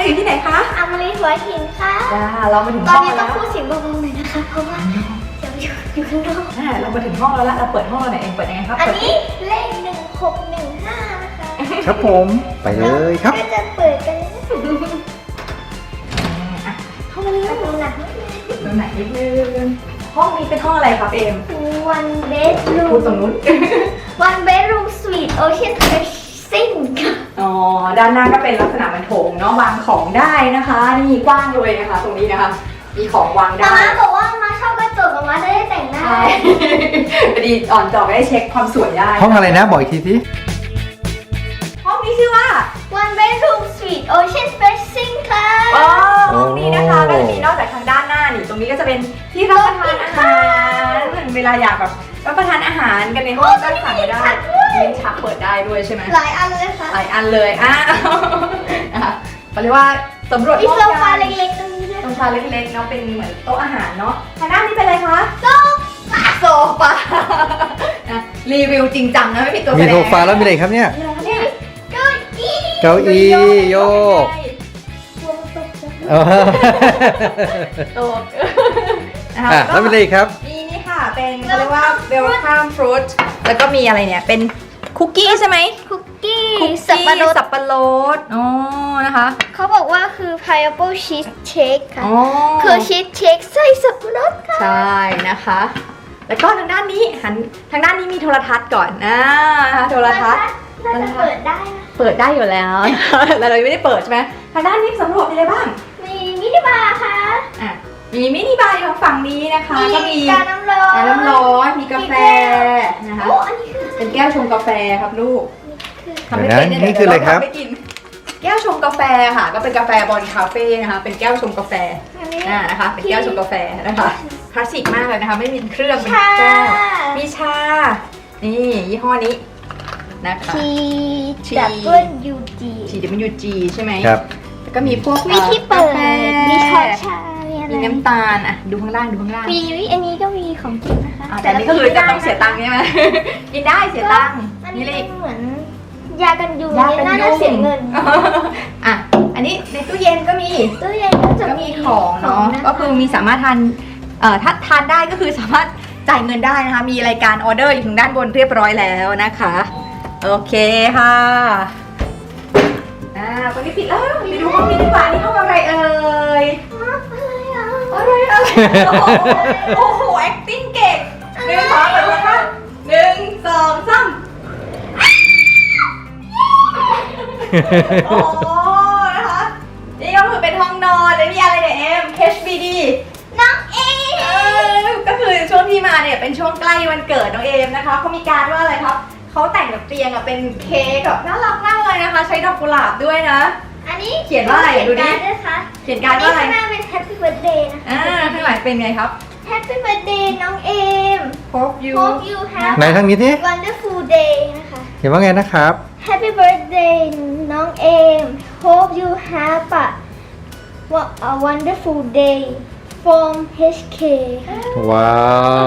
รีอยู่ที่ไหนคะอามารีหัวหินค่ะจ้าเรามาถึงตอนห้องนี้ต้แล้องวพูดเสียงเบาๆหน่อยนะคะเพราะว่าเดี๋ยวอยู่ข้างนอกเรามาถึงห้องแล้วละเราเปิดห้องเราไหนเองเปิดยังไงครับอันนี้เลข1615นะคะครับผมไปเลยครับก็จะเปิดกันเข้ามาเลยประตูหนักนิดนึงตรงไหนนิดนึงห้องนี้เป็นห้องอะไรครับเอม one bedroom พูดตรงนู้น one bedroom suite ocean facing ค่ะอ๋อด้านหน้าก็เป็นลักษณะเหมือนโถงเนาะวางของได้นะคะนี่กว้างเลยนะคะ ตรงนี้นะคะมีของวางได้มาบอกว่ามาชอบกระจกมาจะได้แต่งหน้าใช่พอดีอ่อนจอได้เช็คความสวยได้ห้องอะไรนะบอกอีกทีสิห้องนี้ชื่อว่า one bedroom suite ocean facing ค่ะอ๋อห้องนี้นะคะก็จะมีนอกจากทางด้านหน้านี่ตรงนี้ก็จะเป็นที่รับประทานอาหารเวลาอยากแบบรับประทานอาหารกันในห้องก็สั่งได้ลิ้นชักเปิดได้ด้วยใช่ไหมหลายอันเลยค่ะหลายอันเลยนะคะเขาเรียกว่าสำรวจมีห้องโซกัฟาน เล็กๆตรงนี้ด้วยโซฟาเล็กๆเนาะเป็นเหมือนโต๊ะอาหารเนาะทางด้านนี้เป็นอะไรคะโซฟาโซฟานะรีวิวจริงจังนะไม่ผิดตัวแสดมีงโซฟาแล้วมีอะไรครับเนี่ยมีอะไรคะเนี่ยเก้าอี้เก้าอี้โยกกลัวมันตกใจอ๋อโต๊ะนะคะแล้วมีอะไรอีกครับมีนี่ค่ะเป็นเขาเรียกว่า welcome fruit แล้วก็มีอะไรเนี่ยเป็นคุกกี้ใช่ไหมคุกกี้คุกสับกี้ปะรดสับปะรดอ๋อนะคะเขาบอกว่าคือ pineapple cheesecake ค่ะอ๋อคือชีสเค้กใส่สับปะรดค่ะใช่นะคะ แล้วก็ทางด้านนี้หันทางด้านนี้มีโทรทัศน์ก่อนโทรทัศน์น่าจะเปิดได้นะเปิดได้อยู่แล้วแต่เรายังไม่ได้เปิดใช่ไหมทางด้านนี้สำรวจมีอะไรบ้างมีมินิบาร์ค่ะอ่ะมีมินิบาร์อยู่ทางฝั่งนี้นะคะก็มีกาน้ำร้อนน้ำร้อนมีกาแฟนะคะโอ้อันนี้คือเป็นแก้วชงกาแฟครับลูก ทำไม่เดี๋ยวเป็นนะเนี่ยนี่คืออะไรครับเดี๋ยวเาทำให้กินแก้วชงกาแฟค่ะ ก็เป็นกาแฟบอลคาเฟ่นะคะ เป็นแก้วชงกาแฟอันนี้นะคะ เป็นแก้วชงกาแฟนะคะคลาสสิกมากเลยนะคะ ไม่มีเครื่องเป็นชาแก้วมีชา นี่ยี่ห้อนี้นะคะทีทีดับเบิลยูจี TWG ใช่ไหมครับแล้วก็มีพวกมีที่เปิดกาแฟมีช้อนชา มีอะไรมีน้ำตาลอ่ะดูข้างล่างดูข้างล่างมีอันนี้ก็มีของกินนะคะแต่อันนี้ก็คือจะต้องเสียตังค์ใช่ไหม กินได้เสียตังค์อันนี่นี้เลยเหมือนยากันยุงยากันน่ายุจะงเสียเงินอ่ะ อันนี้ในตู้เย็นก็มีตู้เย็นก็จะก็มีของเนาะ ก็คือมีสามารถทานถ้าทานได้ก็คือสามารถจ่ายเงินได้นะคะ มีรายการออเดอร์อยู่ทางด้านบนเรียบร้อยแล้วนะคะ โอเคค่ะตอนนี้ปิดแล้วไปดูห้องนี้ดีกว่านี่ห้องอะไรเอ่ย อะไรโอ้โห acting เก่งหนึ่งสองเปิดเลยค่ะหนึ่งสองสามโอ้นะคะ นี่ก็คือเป็นห้องนอนแล้วมีอะไรเนี่ยเอ็ม HBD น้องเอก็คือช่วงที่มาเนี่ยเป็นช่วงใกล้วันเกิดน้องเอมนะคะเขามีการว่าอะไรครับเขาแต่งแบบเตียงอะเป็นเค้กแบบน่ารักมากเลยนะคะ ใช้ดอกกุหลาบด้วยนะอันนี้เขียนว่าอะไรดูดิเขียนการ์ดด้วยค่ะเขียนการว่าอะไรข้างหน้าเป็น Happy Birthday นะคะข้างหลังเป็นไงครับ Happy Birthday น้องเอม Hope you Hope you have ไหนทางนี้ที่ wonderful day นะคะเขียนว่าไงนะครับ Happy Birthday น้องเอม Hope you have a wonderful day from HK ว้าว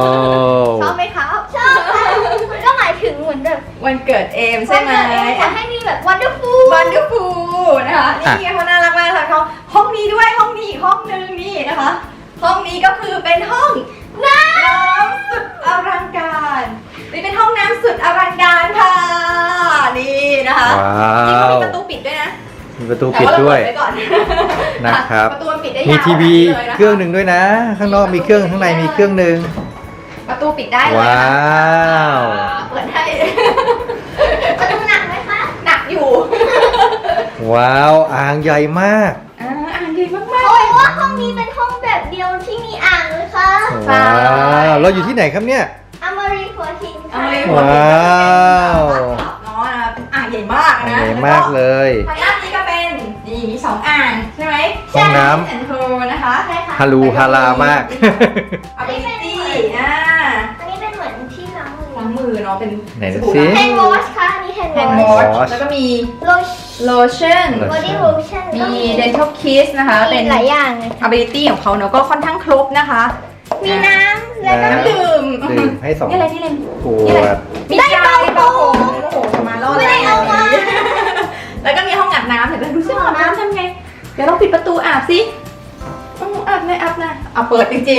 ชอบไหมครับชอบค่ะมันก็หมายถึงเหมือนแบบวันเกิดเอมใช่ไหมวันเกิดเอมขอให้มีแบบ wonderful วันดูฟูนะคะนี่เขาน่ารักมากค่ะเขาห้องนี้ด้วยห้องนี้อีกห้องนึงนี่นะคะ ห้องนี้ก็คือเป็นห้องน้ำสุดอลังการนี่เป็นห้องน้ำสุดอลังการค่ะนี่นะคะว้าจริงๆก็วมีประตูปิดด้วยนะมีประตูแต่ปิดว่าเราด้วยเปิดไว้ก่อนนะครับประตูมันปิดได้ยาวมีทีวีลยนะะเครื่องหนึ่งด้วยนะ ข้างนอกมีเครื่องข้างในมีเครื่องหนึ่งประตูปิดได้เลยว้านะวเปิดให้ประตูหนักไหมคะหนักอยู่ว้าวอ่างใหญ่มากอ่านดีมากโอ้ยว่าห้องนี้เป็นห้องแบบเดียวที่มีอ่างเลยค่ะว้าวเราอยู่ที่ไหนครับเนี่ยอมรีหัวหินๆค่ะว้าวเนาะนะเป็นอ่างใหญ่มากอ่างนะใหญ่มากเลยทางด้านนี้ก็เป็นนี่มีสองอ่างใช่ไหมห้องน้ำแอนโทนะคะใช่ค่ะฮารูฮารามากอาบิตี้อันนี้เป็นเหมือนที่ล้างมือล้างมือเนาะเป็นไหนดูสบู่สิแฮนด์วอชค่ะอันนี้แฮนด์แฮนด์ววออชชแล้วก็มีโล lotion โลบอดี้โลชั่นมี dental kiss นะคะ เป็นหลายอย่างเลย ability ของเขาเนาะก็ค่อนข้างครบนะคะมีน้ำแล้วก็น้ำดื่มดื่มให้สองนี่อะไรนี่อะไรขวดมียาเบาผมโอ้โหมาล่อไม่ได้เอามาแล้วก็มีห้องอาบน้ำเห็นไหมดูซิห้องอาบน้ำทำไงเดี๋ยวเราปิดประตูอาบสิอาบหน่อยอาบหน่อยเอาเปิดจริง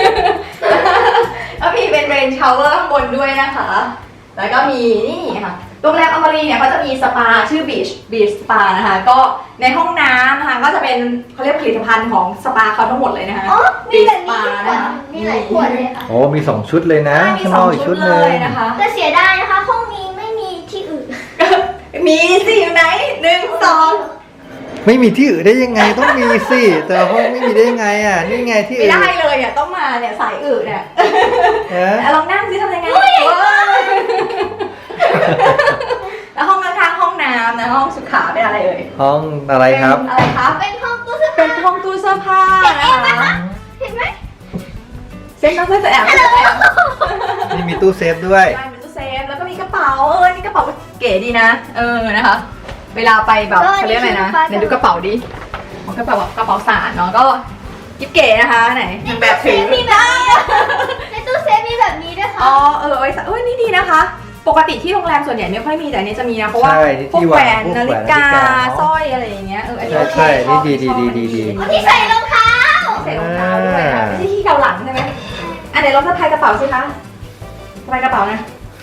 ๆ แล้วมีเป็นเรนชาวเวอร์ข้างบนด้วยนะคะ แล้วก็มีนี่ค่ะโรงแรมอมรีเนี่ยเขาจะมีสปาชื่อบีชสปานะคะก็ในห้องน้ำนะคะก็จะเป็นเขาเรียกผลิตภัณฑ์ของสปาเขาทั้งหมดเลยนะคะอ๋อมีแบบสนี้ปาด้วยนะคะมีหลายขวดเลยค่ะโอ้มี2 ชุดเลยนะมีข้างสนออง กอีกชุชุดดเลหนึ่งยนะคะแต่เสียดายนะคะ ห้องนี้ไม่มีที่อื่นมีสิอยู่ไหน1 2 ไม่มีที่อื่นได้ยังไงต้องมีสิแต่ห้องไม่มีได้ยังไงอ่ะนี่ไงที่ไม่อื่นได้เลยอ่ะต้องมาเนี่ยสายอื่นเนี่ยเอ๊ะลองนั่งสิทำยังไงแล้วห้องข้างๆห้องน้ำนะห้องสุขาเป็นอะไรเอ่ยห้องอะไรครับเป็นอะไรคะเป็นห้องตู้เสื้อเป็ผ้านห้องตู้เสื้อผ้าเห็นไหมนะคะคะเห็นไหมเซ็นน้องเพื่อนจะแอบนี่มีตู้เซฟด้วยใช่เป็นตู้เซฟแล้วก็มีกระเป๋านี่กระเป๋าเก๋ดีนะนะคะ เวลาไปแบบเขาเรียกอะไรนะเดี๋ยวดูกระเป๋าดิของกระเป๋าสารเนาะก็กิ๊บเก๋นะคะไหนนางแบบถือมีแบบนี้ในตู้เซฟมีแบบนี้ด้วยค่ะอ๋อไว้นี่ดีนะคะ ปกติที่โรงแรมส่วนใหญ่ไม่ค่อยมีแต่อันนี้จะมีนะเพราะว่าใช่พวกที่แหววางนพวกนาฬิแหวนกานาฬิกาเนอะสร้อยอะไรอย่างเงี้ยอันนี้โอเคใช่ชอบนี่ดีชอบดีอันที่นี้ใส่รองเท้าใส่รองเท้าด้วยค่ะไม่ใช่ที่เกาหลังใช่ไหมอันไหนลองสะพายกระเป๋าสิคะสะพายกระเป๋านะ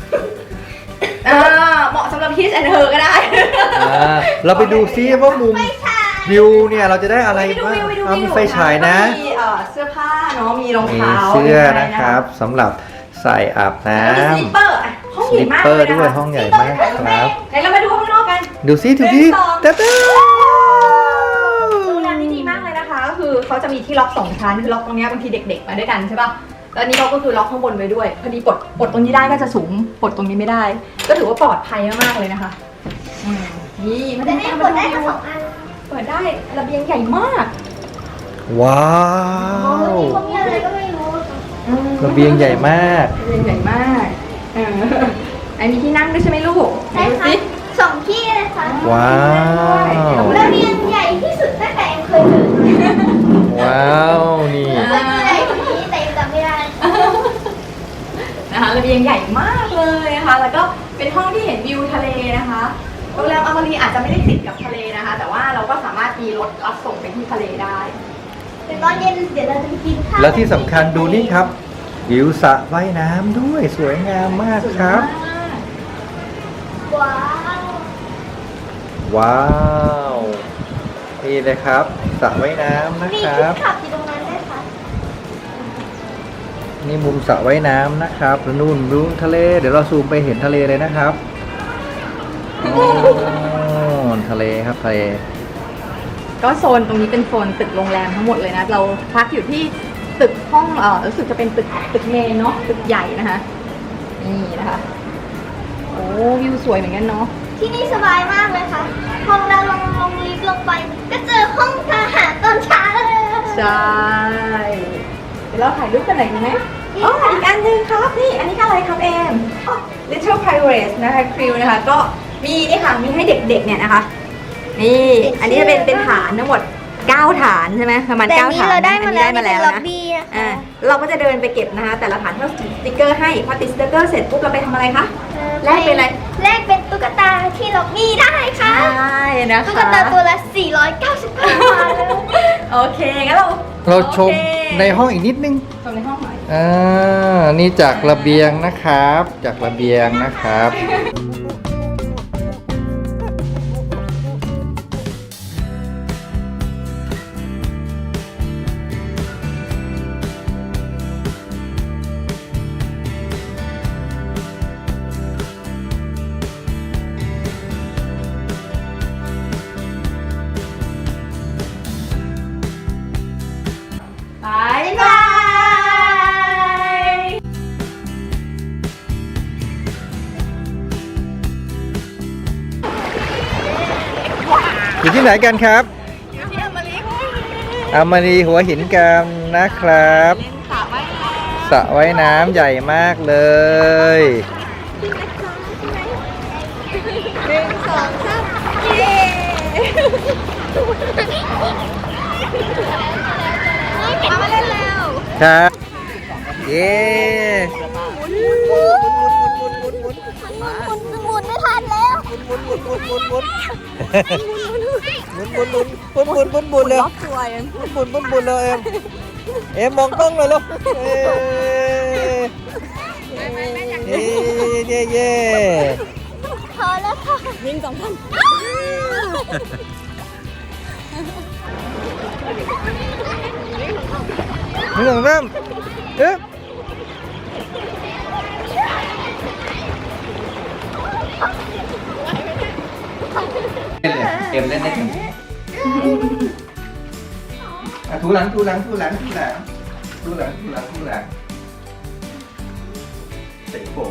เหมาะสำหรับ His and Her ก็ได้เราไปดูซิว่ามุมไม่ใช่วิวเนี่ยเราจะได้อะไรไปดูบ้างวิวเอามีไฟฉายนะมีเสื้อผ้าเนาะมีรองมีเท้าเสื้อนะครับสำหรับใส่อาบน้แล้วมีสลิปเปอร์ห้องำสใหญ่ลิปมากเปอเลร์ยนะด้วยคะห้องใหญ่มากครับไหนเรามาดูข้างนอกกันดูซิดูดิหนึ่งสองตะตะโรงแรมนี้ดีมากเลยนะคะ ก็คือเขาจะมีที่ล็อก2 ชั้นคือล็อกตรงเนี้ยบางทีเด็กๆมาด้วยกันใช่ป่ะแล้วอันนี้เราก็คือล็อกข้างบนไว้ด้วยพอดีปลดตรงนี้ได้ก็จะสูงปลดตรงนี้ไม่ได้ ก็ถือว่าปลอดภัยมากๆเลยนะคะนี่มาจะดูได้กันกดได้ทั้งสองอันเปิดได้ระเบียงใหญ่มากว้าอ๋อวมีพวกนี้อะไรก็ไม่รู้ระเบียงใหญ่มากระเบียงใหญ่มากไอ้มีที่นั่งด้วยใช่ไหมลูกใช่ดูค่ะสิ 2 ที่เลยค่ะว้าวระเบียงใหญ่ที่สุดตั้งแต่เอ็มเคยเห็นว้าวนี่เคยเจอใหญ่กว่านี้แต่เอ็มจำไม่ได้นะคะระเบียงใหญ่มากเลยนะคะ แล้วก็เป็นห้องที่เห็นวิวทะเลนะคะโรงแรมอมรีอาจจะไม่ได้ติดกับทะเลนะคะ แต่ว่าเราก็สามารถมีรถรับส่งไปที่ทะเลได้เดี๋ยวตอนเย็นเดี๋ยวเราจะไปกินข้าวแล้วที่สำคัญดูนี่ครับวิวสระว่ายน้ำด้วยสวยงามมากสวยครับมากว้าวว้าวนี่เลยครับสระว่ายน้ำนะมีคที่รับขับอยู่ตรงนั้นด้วยค่ะนี่มุมสระว่ายน้ำนะครับแล้วนู่นดูทะเล เดี๋ยวเราซูมไปเห็นทะเลเลยนะครับโอ้ทะเลครับทะเลก็โซนตรงนี้เป็นโซนตึกโรงแรมทั้งหมดเลยนะ เราพักอยู่ที่ตึกห้องรู้สึกจะเป็นตึกเมนเนาะตึกใหญ่นะคะนี่นะคะโอ้วิวสวยเหมือนกันเนาะที่นี่สบายมากเลยค่ะพอเราลงลิฟต์ลงไป ก็เจอห้องทหารตอนเช้าเลยใช่เดี๋ยวเราถ่ายรูปกันหน่อยดีไหมอ๋ออีกอันหนึงครับนี่อันนี้อะไรครับเอม Little Pirates นะคะคริวนะคะก็มีนี่ค่ะมีให้เด็กๆเนี่ยนะคะนี่อันนี้จะเป็นฐานทั้งหมด9 ฐานใช่ไหมประมาณแต่ 9 ฐานเราได้มาแล้วอันนี้ได้มาแล้วล็อบนะบี้นะคะเราก็จะเดินไปเก็บนะคะ แต่ละฐานที่เราติดสติ๊กเกอร์ให้พอติดสติ๊กเกอร์เสร็จปุ๊บเราไปทำอะไรคะ แลกเป็นอะไรแลกเป็นตุ๊กตาที่ล็อบบี้ได้ค่ะใช่นะคะตุ๊กตาตัวละ 499 บาทเลยโอเคงั้นเราชมโอเคในห้องอีกนิดนึงชมในห้องหน่อยนี่จากระเบียงนะครับ จากระเบียงนะครับบายบายอยู่ที่ไหนกันครับอยู่ที่อเมริกาอามารีหัวหินกันนะครับเล่นสระว่ายน้ำสระว่ายน้ำใหญ่มากเลย 1 2 3เย้มาเล่นแล้วครับ เย้หมุนไม่ทันแล้วหมุนหมุนเลยล็อกตัวยังหมุนเลยเอ็มมองกล้องเลยลูกเย่พอแล้วค่ะยิง2,000 ไม่ต้องเริ่มเอ็มเล่นได้กันถูหลังเตะโผ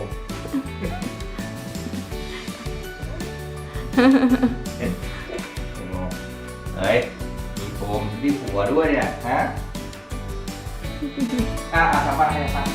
เฮ้ยมีโฟมที่หัวด้วยเนี่ยฮะทำบ้างให้ฟัง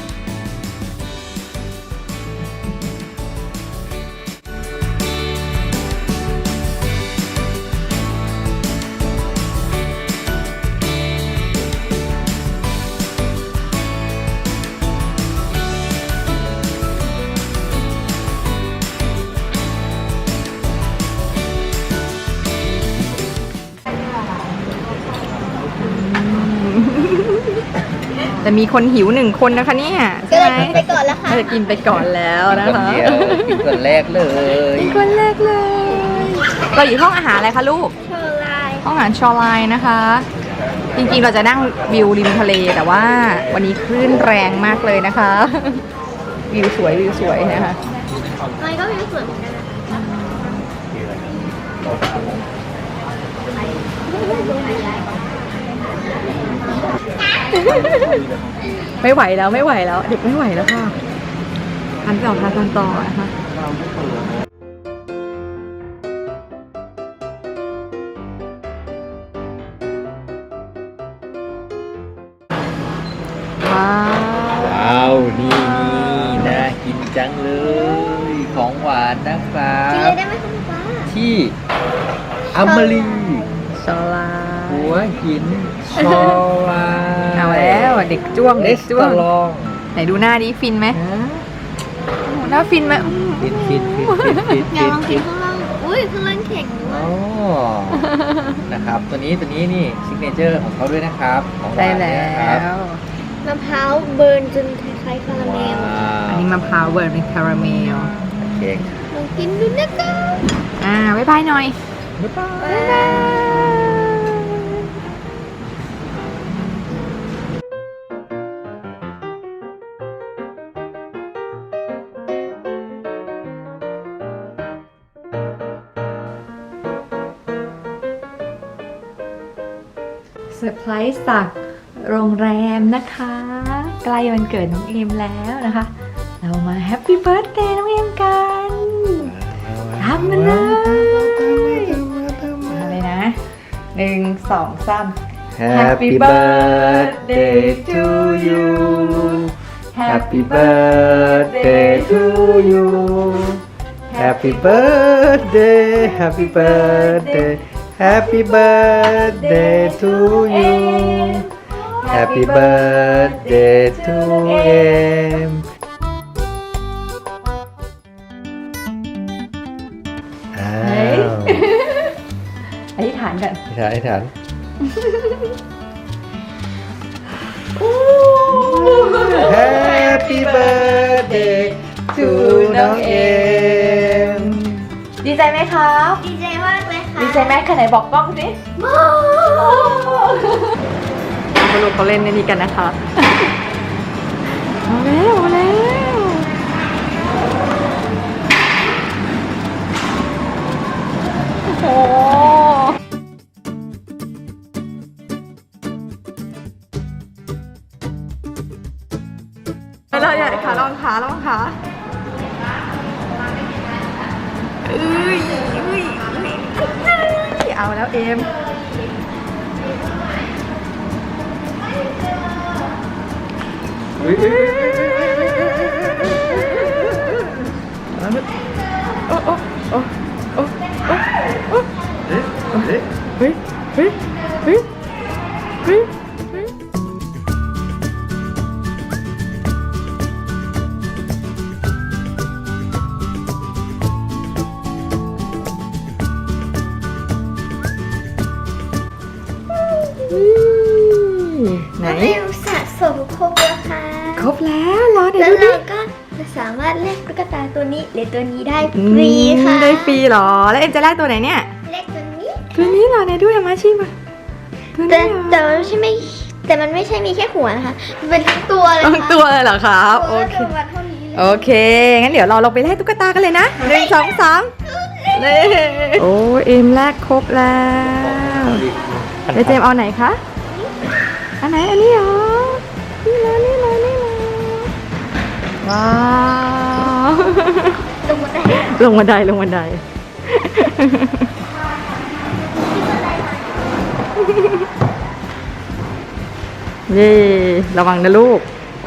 แต่มีคนหิว1 คนนะคะเนี่ยก็ใช่เลไหยมกินไปก่อนแล้วค่ะก็จะกินไปก่อนแล้วนะคนคะเดียวกินคนแรกเลยกินคนแรกเลยเราอยู่ห้องอาหารอะไรคะลูกเชอร์ไลน์ห้องอาหารชอไลน์นะคะ จริงๆเราจะนั่งวิวริมทะเลแต่ว่าวันนี้คลื่นแรงมากเลยนะคะ วิวสวยนะคะอะไรก็มีส่วนเหมือนกันไม่ไหวแล้วเด็กไม่ไหวแล้วค่ะทานต่อนะคะว้าวนี่น่ากินจังเลยของหวานนะครับกินเลยได้ไหมคุณป้าที่อัมมารีชอไลหัวหินชอลาเอาแล้วเด็กจ้วงเลเด็กสจ้วตาง ลองไหนดูหน้านี้ฟินไหมโอ้โหหน้าฟินไหมฟินอย่าลองกินข้างล่างอุ้ยข้างล่างแข็งด้วโอ้ยนะครับตัวนี้นี่ซิกเนเจอร์ของเขาด้วยนะครับของหใช่วานแล้เนี่ยนะครับวมะพร้าวเบิร์นจนคล้ายๆคาราเมว้าลอันวนี้มะพร้าวเวิร์ดเป็นคาราเมลเค้กลองกินดูนะคะบ๊ายบายหน่อยบ๊ายบายบ๊ายบายเซอร์ไพรส์จากโรงแรมนะคะ ใกล้วันเกิดน้องเอมแล้วนะคะ เรามาแฮปปี้เบิร์ธเดย์น้องเอมกันทำมาเลยมาเลยนะ1 2 3 Happy birthday to you Happy birthday to you Happy birthday Happy birthday Happy birthday to you Happy birthday to em อ้าเฮ้ยวอธิษฐานกันอธิษฐาน Happy birthday to น้องเอ็มดีใจไหมครับดีใจมากเลยค่ะดีใจไหมใครไหนบอกกล้องสิมาลูกเขาเล่นในนี้กันนะคะมาแล้วโอ้โหเราอยากขาลองขาเอาแล้วเอมโอ้โอ้โอ้โอ้โอ้เฮ้ยเฮ้ยเฮ้ยเฮ้ยเฮ้ยไหนน้องเอมสะสมครบแล้วค่ะครบแล้วเหรอเดี๋ยแล้ว วดูดิเราก็จะสามารถเล่นตุ๊กตาตัวนี้หรือตัวนี้ได้ฟรีค่ะได้ฟรีเหรอ แล้วเอ็มจะแลกตัวไหนเนี่ยเล็กตัวนี้ตัวนี้เหรอไหนดูอามาชิมาตัวแต่นี้เหรอแต่มันไม่ใช่แต่มันไม่ใช่มีแค่หัวนะคะมันเป็นทั้งตัวเลยทั้งค่ะตัวเลยเหรอครับโอตัวเคตัวมันเท่านี้เลยโอเค งั้นเดี๋ยวเราลงไปแลกตุ๊กตากันเลยนะ1 2 3เลยโอ้เอ็มแลกครบแล้วเดี๋ยวเจมส์เอาไหนคะ อันไหน อันนี้เหรอ นี่เลยนี่เลยนี่เลยว้าวลงมาได้ลงบันไดลงบันได เย่ระวังนะลูก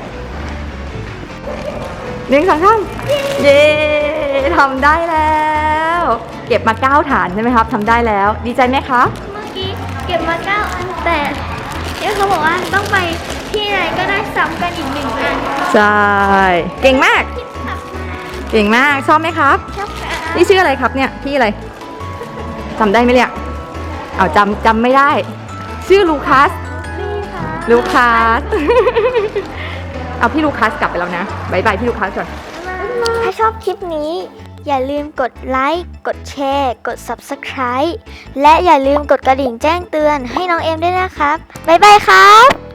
1 2 3เย่ทำได้แล้ว เก็บมา9 ฐานใช่ไหมครับทำได้แล้ว ดีใจไหมครับเมื่อกี้เก็บมา9 อันแต่เนี่ยเขาบอกว่าต้องไปที่ไหนก็ได้ซ้ำกันอีก1 อันใช่ เก่งมากที่ขับมาเก่งมาก ชอบไหมครับชอบค่ะนี่ชื่ออะไรครับเนี่ย พี่อะไรจำได้ไหมเนี่ย เอาจำไม่ได้ ชื่อลูคัสนี่ค่ะลูคัส เอาพี่ลูคัสกลับไปแล้วนะบายบายพี่ลูคัสก่อนถ้าชอบคลิปนี้ อย่าลืมกดไลค์ กดแชร์ กด Subscribe และอย่าลืมกดกระดิ่งแจ้งเตือนให้น้องเอมด้วยนะครับ บ๊ายบายครับ